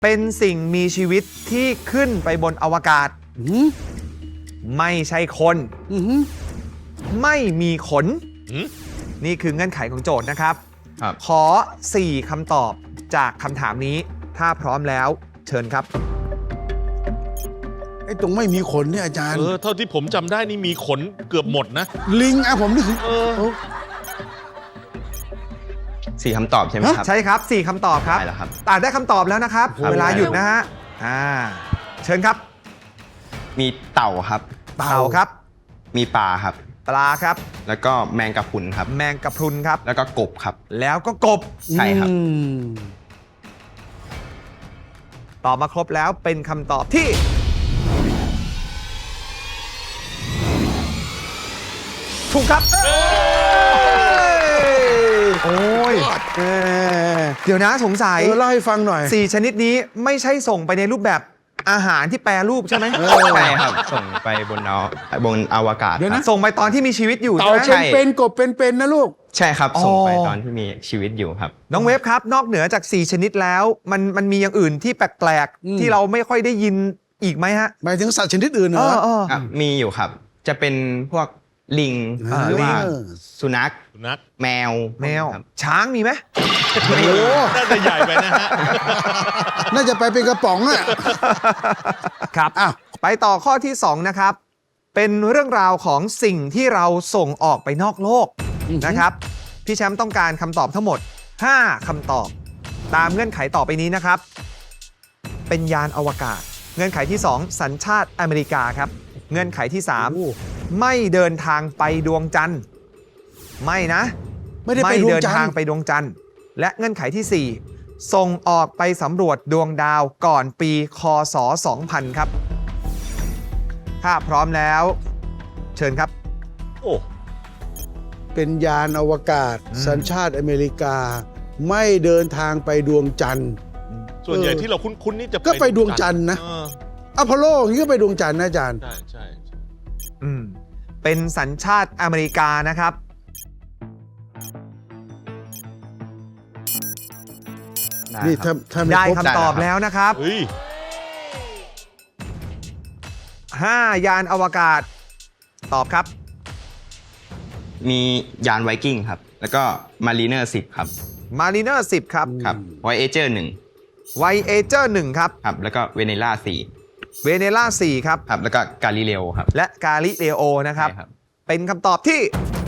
เป็นสิ่งมีชีวิตที่ขึ้นไปบนอวกาศไม่ใช่คนไม่มีขนนี่คือเงื่อนไขของโจทย์นะครับ ขอ 4 คำตอบจากคำถามนี้ถ้าพร้อมแล้วเชิญครับไอ้ตรงไม่มีขนเนี่ยอาจารย์เท่าที่ผมจำได้นี่มีขนเกือบหมดนะลิงผมนี่คือ 4 คำตอบใช่ไหมครับใช่ครับ 4 คำตอบครับได้แล้วครับได้คำตอบแล้วนะครับครับเวลาหยุดนะฮะเชิญครับมีเต่าครับเต่าครับมีปลาครับปลาครับแล้วก็แมงกะพรุนครับแมงกะพรุนครับแล้วก็กบครับแล้วก็กบใช่ครับตอบมาครบแล้วเป็นคำตอบที่ ถูกครับโอ้ยเดี๋ยวนะสงสัยเล่าให้ฟังหน่อย 4 ชนิดนี้ไม่ใช่ส่งไปในรูปแบบอาหารที่แปรรูปใช่ไหมใช่ครับ ส่งไปบนอวกาศเดี๋ยวคนะรับส่งไปตอนที่มีชีวิตอยู่เต่าใช่ไหมเป็นกบเป็นนะลูกใช่ครับอ๋อส่งไปตอนที่มีชีวิตอยู่ครับน้องเวฟครับ นอกเหนือจาก 4 ชนิดแล้วมันมีอย่างอื่นที่แปลกๆที่เราไม่ค่อยได้ยินอีกไหมฮะหมายถึงสัตว์ชนิดอื่นเหรอมีอยู่ครับ จะเป็นพวกลิงหรือว่า สุนัขสุนัขแมวแมวครับช้างมีไหมโอ้โหน่าจะใหญ่ไปนะฮะน่าจะไปเป็นกระป๋องอ่ะครับอ้าวไปต่อข้อที่ 2 นะครับ เป็นเรื่องราวของสิ่งที่เราส่งออกไปนอกโลกนะครับ พี่แชมป์ต้องการคำตอบทั้งหมด 5 คำตอบ ตามเงื่อนไขต่อไปนี้นะครับ เป็นยานอวกาศ เงื่อนไขที่ 2 สัญชาติอเมริกาครับ เงื่อนไขที่ 3 ไม่เดินทางไปดวงจันทร์ไม่นะไม่ได้ไปดวงเดินจันททางร์ไปดวงจันทร์และเงื่อนไขที่ 4 ส่งออกไปสำรวจดวงดาวก่อนปีคศ 2000 ครับ ถ้าพร้อมแล้ว เชิญครับโอ้เป็นยานอวกาศ สัญชาติอเมริกา ไม่เดินทางไปดวงจันทร์ส่วนใหญ่ที่เราคุ้นๆนี่จะก็ไปดวงจันทร์นะ อพอลโลอย่างนี้ก็ไปดวงจันทร์นะอาจารย์ใช่ใช่เป็นสัญชาติอเมริกานะครับนี่ถ้าไม่ได้ครบคำตอบแล้วนะครับเฮ้ย 5 ยานอวกาศ ตอบครับมียานไวกิ้งครับ แล้วก็มารีเนอร์10ครับ Mariner 10 ครับครับไวเอเจอร์1 Voyager 1 ครับครับ แล้วก็เวเนล่า4 Venera 4 ครับครับ แล้วก็กาลิเลโอครับและ Galileo นะครับใช่ครับเป็นคำตอบที่